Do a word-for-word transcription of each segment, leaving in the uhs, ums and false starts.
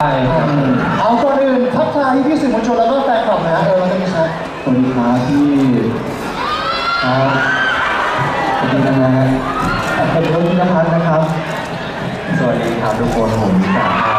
ครับเอาก่อนอื่นทักทายพี่สื่อมวลชนแล้วก็แฟนคลับนะเออเราจะมีชัดสวัสดีครับพี่ครับสวัสดีนะฮะผมรถพิพัฒน์นะครับสวัสดีครับทุกคนผมมิตรภาพ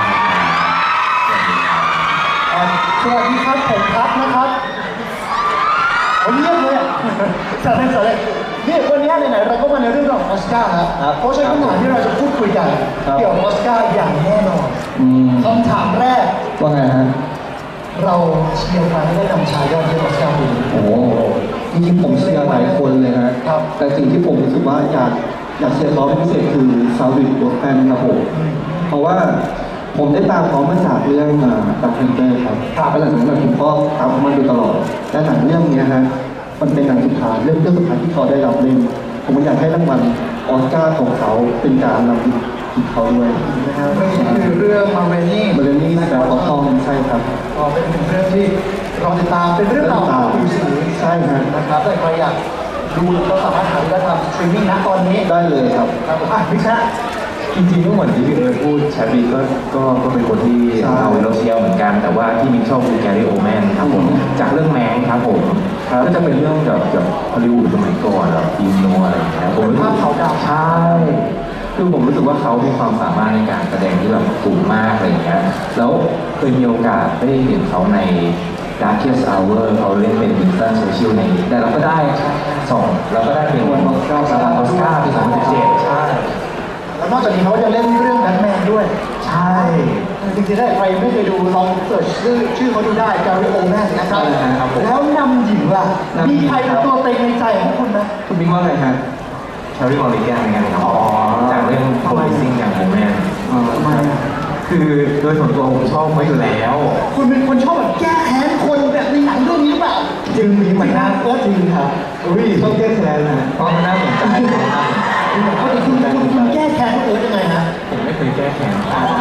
สวัสดีครับผมพัดนะครับวันนี้เลยสวัสดีสวัสดีนี่วันนี้ไหนๆเราก็มาในเรื่องของออสการ์ครับเพราะฉะนั้นคำถามที่เราจะพูดคุยกันเกี่ยวกับออสการ์อย่างแน่นอนคำถามแรกว่าไงฮะเราเชียร์ใครให้ได้นำชายยอดเยี่ยมออสการ์ปีนี้โอ้จริงๆผมเชียร์หลายคนเลยฮะแต่สิ่งที่ผมรู้สึกว่าอยากอยากเชียร์เขาเป็นพิเศษคือซาวิดโบสแตนครับผมเพราะว่าผมได้ตามเขามาจากเรื่องดับเพนเตอร์ครับแล้วหลังจากนั้นผมก็ตามเขามาโดยตลอดและหนังเรื่องนี้ฮะมันเป็นหนังสุดท้ายเรื่องเรื่องสุดท้ายที่เขาได้รับเล่นผมอยากให้รางวัลออสการ์ของเขาเป็นการนำถึงเขาด้วยนะครับไม่ใช่คือเรื่องมาเรนี่มาเรนี่แบบเขาทองใช่ครับก็เป็นเรื่องที่เราติดตามเป็นเรื่องราวของผิวสีใช่ครับนะครับแต่ใครอยากดูก็สามารถหาได้ทางสตรีมมิ่งนะตอนนี้ได้เลยครับครับอ่ะพี่ชะจริงๆก็เหมือนที่พี่เอิร์ธพูดแชร์บีก็ก็ก็เป็นคนที่เราเราเชียร์เหมือนกันแต่ว่าที่มิกชอบคือแกรี่โอแมนครับผมจากเรื่องแมงครับผมก็จะเป็นเรื่องแบบแบบฮอลลีวูดสมัยก่อนแบบฟิล์มโนอะไรอย่างเงี้ยผมรู้สึกเขาดาวใช่คือผมรู้สึกว่าเขามีความสามารถในการแสดงที่แบบสูงมากอะไรอย่างเงี้ยแล้วเคยมีโอกาสได้เห็นเขาใน Darkest Hour เขาเล่นเป็นวินสตันโซเชียลในแต่เราก็ได้สองเราก็ได้เป็นวันออสการ์ออสการ์ปีสองพันสิบเจ็ดใช่แล้วนอกจากนี้เขายังเล่นเรื่องแบทแมนด้วยใช่จริงๆถ้าใครไม่เคยดูลองเสิร์ชชื่อชื่อเขาดูได้แกรี่โอแมนนะครับแล้วนำหญิงล่ะมีใครเป็นตัวเต็งในใจของคุณนะคุณบิ๊กว่าไงฮะชาริมอริแกนไงครับจากเรื่องโพลิซิ่งอย่างโมแมนทำไมคือโดยส่วนตัวผมชอบเขาอยู่แล้วคุณเป็นคนชอบแบบแก้แค้นคนแบบในหนังเรื่องนี้หรือเปล่าจริงมีมันน่าเออจริงครับอุ้ยชอบแก้แค้นนะเพราะมันน่าสนใจเขาจะคุณคุณคุณแก้แค้นเออยังไงฮะผมไม่เคยแก้แค้น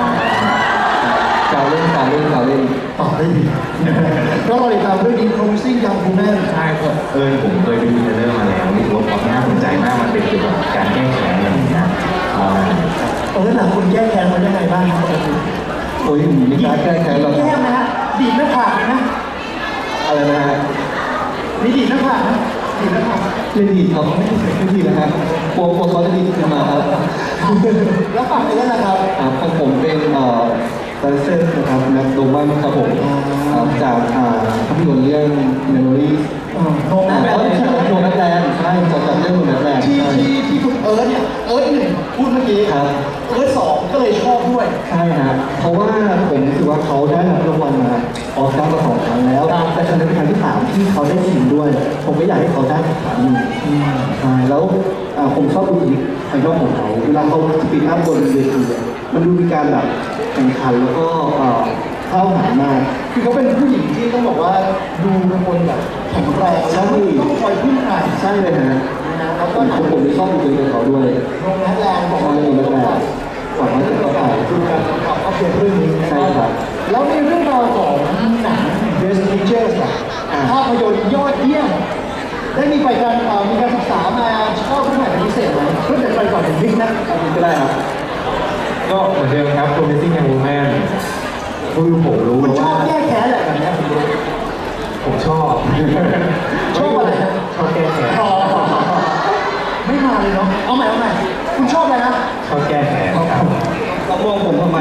การเล่นการเล่นการเล่นต่อได้ดีก็เราติดตามเรื่องนี้ Promising Young Woman ใช่ครับเออผมเคยไปดูเทรลเลอร์มาแล้วรู้สึกว่าความน่าสนใจมากมันเป็นเกี่ยวกับการแก้แค้นอะไรอย่างเงี้ยเออหนังคุณแก้แค้นมันยังไงบ้างครับโอ้ยมีการแก้แค้นเราแก้ไหมฮะดีดหน้าผากนะอะไรนะฮะมีดีดหน้าผากนะดีดหน้าผากไม่ดีครับไม่ดีไม่ดีนะฮะกลัวกลัวเขาจะดีขึ้นมาครับแล้วฝั่งนี้นะครับของผมเป็นเอ่อตอนเซนนะครับแม็กโดมันครับผมจากภาพยนตร์เรื่อง Memory โนแมนแลนด์โนแมนแลนด์ใช่จากเรื่องโนแมนแลนด์ที่ที่ที่คุณเอิร์ธเนี่ยเอิร์ธหนึ่งพูดเมื่อกี้ครับเอิร์ธสองก็เลยชอบด้วยใช่ฮะเพราะว่าผมรู้สึกว่าเขาได้รับรางวัลมาออสการ์มาสองครั้งแล้วแต่ครั้งนี้เป็นครั้งที่สามที่เขาได้ชิงด้วยผมก็อยากให้เขาได้อีกครั้งหนึ่งใช่แล้วผมชอบดูคลิปภายนอกของเขาเวลาเขาสปีดอัพบนเวทีมันดูมีการแบบแข่งขันแล้วก็เข้าหามากคือเขาเป็นผู้หญิงที่ต้องบอกว่าดูเป็นคนแบบแข็งแรงแล้วต้องคอยพึ่งใครใช่เลยฮะแล้วก็ผมผมชอบดูตัวเขาด้วยโรงแรมแรงบอกว่าโรงแรมแรงฝั่งนั้นก็ฝ่ายคือการขับเข้าเพียงเรื่องนี้ใช่ครับแล้วในเรื่องราวของหนัง Best Pictures ภาพยนตร์ยอดเยี่ยมได้มีไปการมีการศึกษามาชอบเรื่องไหนเป็นพิเศษไหมเพื่อจะไปก่อนถึงบิ๊กนะก็ได้ครับก็เหมือนเดิมครับ Promising Young Woman คือผมรู้ว่าชอบแก้แค้นแหละแบบนี้ผมรู้ผมชอบชอบอะไรนะชอบแก้แค้นไม่มาเลยเนาะเอาใหม่เอาใหม่คุณชอบอะไรนะชอบแก้แค้นครับต้องมองผมทำไม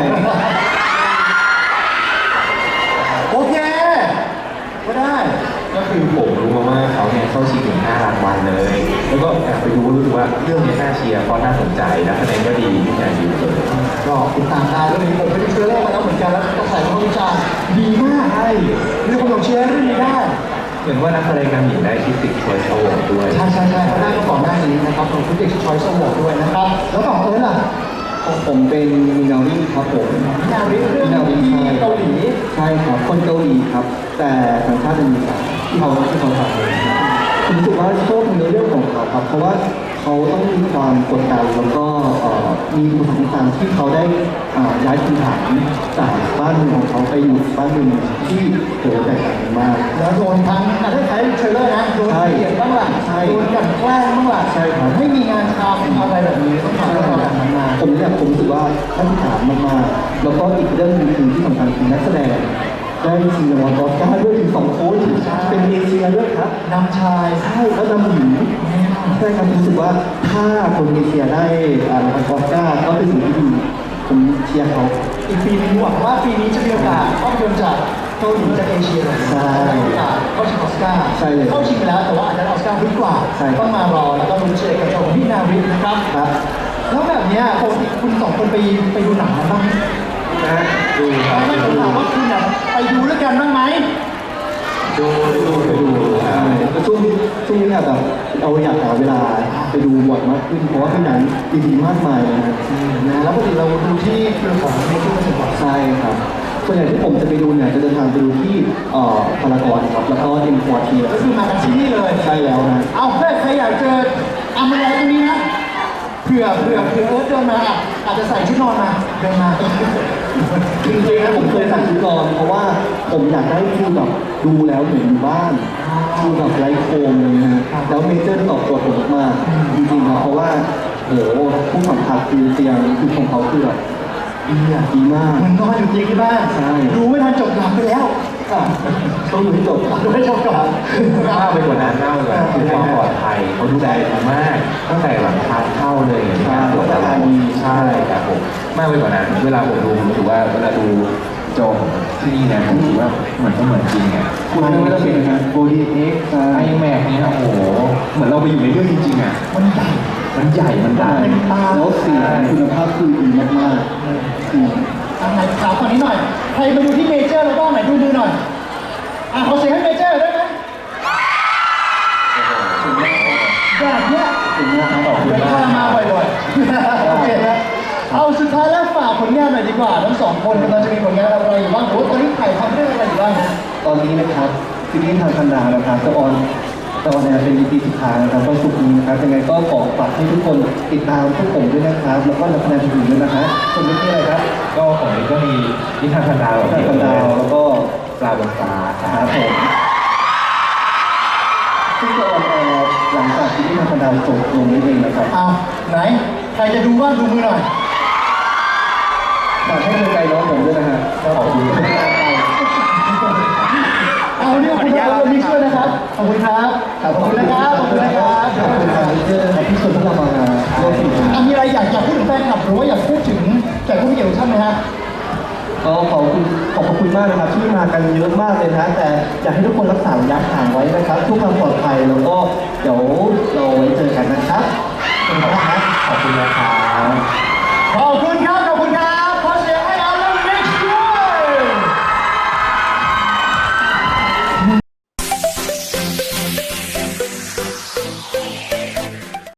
โอเคก็ได้ก็คือผมรู้มาว่าเขาเนี่ยเข้าชิงถึงห้ารางวัลเลยแล้วก็แอบไปดูรู้สึกว่าเรื่องนี้น่าเชียร์เพราะน่าสนใจและคะแนนก็ดีทุกอย่างดีเลยก็ติดตามได้เรื่องนี้ผมไปดูเทรลเลอร์มาแล้วเหมือนกันแล้วก็ใส่ข้อวิจารณ์ดีมากใช่เรื่องของเชียร์เรื่องนี้ได้เหมือนว่านักแสดงนำหญิงได้ที่ติดชอยส์โอวอร์ดด้วยใช่ใช่ใช่เขาได้ก็ก่อนหน้านี้นะครับของที่ติดชอยส์โอวอร์ดด้วยนะครับแล้วต่อเอิร์ธล่ะของผมเป็นมินาริครับผมมินาริเรื่องที่เกาหลีใช่ครับคนเกาหลีครับแต่สัญชาติอเมริกาที่เขาที่เขาทำเองผมรู้สึกว่าชอบในเรื่องของเขาครับเพราะว่าเขาต้องมีความกดดันแล้วก็มีอุปสรรคที่เขาได้ย้ายถิ่นฐานจากบ้านเมืองของเขาไปอยู่บ้านเมืองที่โหแตกต่างกันมากแล้วโดนทั้งถ้าใช้เทรลเลอร์นะโดนเกลียดบ้างล่ะโดนกันแกล้งบ้างล่ะใช่ครับไม่มีงานทำอะไรแบบนี้ต้องทำอะไรแบบนั้นมาผมเนี่ยผมรู้สึกว่าท่านถามมากแล้วก็อีกเรื่องหนึงคือที่สำคัญคือนักแสดงได้ชิงรางวัลออสการ์ด้วยถึงสองคนเป็นเอเชียด้วยครับนำชายใช่แล้วนำหญิงใช่ครับรู้สึกว่าถ้าคนเอเชียได้อ่ารางวัลออสการ์ก็เป็นสิ่งที่ดีผมเชียร์เขาอีกปีนึงหวังว่าปีนี้จะมีโอกาสภาพยนตร์จากเกาหลีจากเอเชียเลยใช่ได้โอกาสเข้าชิงออสการ์ใช่เลยเข้าชิงไปแล้วแต่ว่าอาจจะได้ออสการ์ลึกกว่าใช่ครับต้องมารอแล้วก็ลุ้นเชียร์กับเจ้าของพี่นาวินนะครับครับแล้วแบบเนี้ยปกติคุณสองคนไปไปดูหนังกันบ้างไหมนะดูครับไม่ผมถามว่าคุณอะไปดูด้วยกันบ้างไหมดูดูไปดูใช่แล้วช่วงช่วงนี้อะแบบเราอยากหาเวลาไปดูบ่อยมากขึ้นเพราะว่าเป็นหนังดีๆมากมายเลยนะนะแล้วปกติเราดูที่เครือของเมกิมาถึงก่อนใช่ครับส่วนใหญ่ที่ผมจะไปดูเนี่ยจะเดินทางไปดูที่เอ่อพารากอนครับแล้วก็เอ็มควอเทียก็คือมากันที่นี่เลยใช่แล้วนะเอาเพื่อนใครอยากเจออัมอะไรตรงนี้นะเผื่อเผื่อเผื่อเอิร์ธเดินมาอ่ะอาจจะใส่ชุดนอนมาเดินมาจริงๆนะผมเคยสั่งชุดนอนเพราะว่าผมอยากได้ฟีลแบบดูแล้วเหมือนอยู่บ้านฟีลแบบไร้โคมเลยนะฮะแล้วเมเจอร์ตอบโจทย์ผมมากๆจริงๆครับเพราะว่าโหผู้สัมผัสคือเตียงคือของเขาคือแบบดีอะดีมากเหมือนนอนอยู่เตียงที่บ้านใช่ดูไม่ทันจบหลับไปแล้วอ่ะต้องดูให้จบดูไม่จบก่อนมากไปกว่านั้นมากไปกว่านั้นคือความปลอดภัยเขาดูแลดีมากตั้งแต่หลังทางเข้าเลยในการตรวจอะไรใช่ครับผมมากไปกว่านั้น เวลาผมดูผมรู้สึกว่าเวลาดูจอของที่นี่เนี่ยผมรู้สึกว่าเหมือนก็เหมือนจริงอ่ะคุณไม่ว่าจะเป็นงานโบดีเอ็กซ์ไอแม็กเนี่ยโอ้โหเหมือนเราไปอยู่ในเรื่องจริงๆอ่ะมันใหญ่มันใหญ่มันดังเป็นตาแล้วเสียงคุณภาพคือดีมากๆอืมอ่ะไหนถามฝั่งนี้หน่อย ใครมาดูที่เมเจอร์แล้วบ้างไหนดูมือหน่อย อ่ะขอเสียงให้เมเจอร์ได้ไหมแบบเนี้ยถึงนะครับขอบคุณเดี๋ยวมาพาก มาบ่อยๆ โอเคนะเอาสุดท้ายแล้วฝากผลงานหน่อยดีกว่า ทั้งสองคนกำลังจะมีผลงานอะไรอยู่บ้างหรือว่าตอนนี้ถ่ายทำเรื่องอะไรอยู่บ้างนะตอนนี้นะครับซีรีส์ทางคันดานะครับจะออนจะออนแอร์เป็น อี พี สุดท้ายนะครับวันศุกร์นี้นะครับยังไงก็ขอฝากให้ทุกคนติดตามพวกผมด้วยนะครับ แล้วก็นักแสดงอื่นๆด้วยนะครับส่วนนี้คืออะไรครับก็ของนี้ก็มีนิทานพันดาวทางคันดาวแล้วก็ปลาบนฟ้าคครัรับบผมซึ่งจะออนแอร์หลังจากซีรีส์ทางคันดาวจบลงนี้เองนะครับเอาไหน ใครจะดูบ้างดูมือหน่อยฝากให้กำลังใจน้องผมด้วยนะฮะขอบคุณที่ติดตามไปเอาเนี่ยคุณยาเรามีช่วยนะครับ ขอบคุณครับ ขอบคุณนะครับ ขอบคุณนะครับขอบคุณครับที่ที่ชวนพวกเรามาร่วมสนุกอ่ะมีอะไรอยากอยากพูดถึงแฟนคลับหรือว่าอยากพูดถึงแขกผู้มีเกียรติทุกท่านไหมฮะก็ขอบคุณขอบคุณมากนะครับที่มากันเยอะมากเลยนะฮะแต่อยากให้ทุกคนรักษาระยะห่างไว้นะครับทุกความปลอดภัยแล้วก็เดี๋ยวเราไว้เจอกันนะครับขอบคุณครับขอบคุณนะครับขอบคุณครับ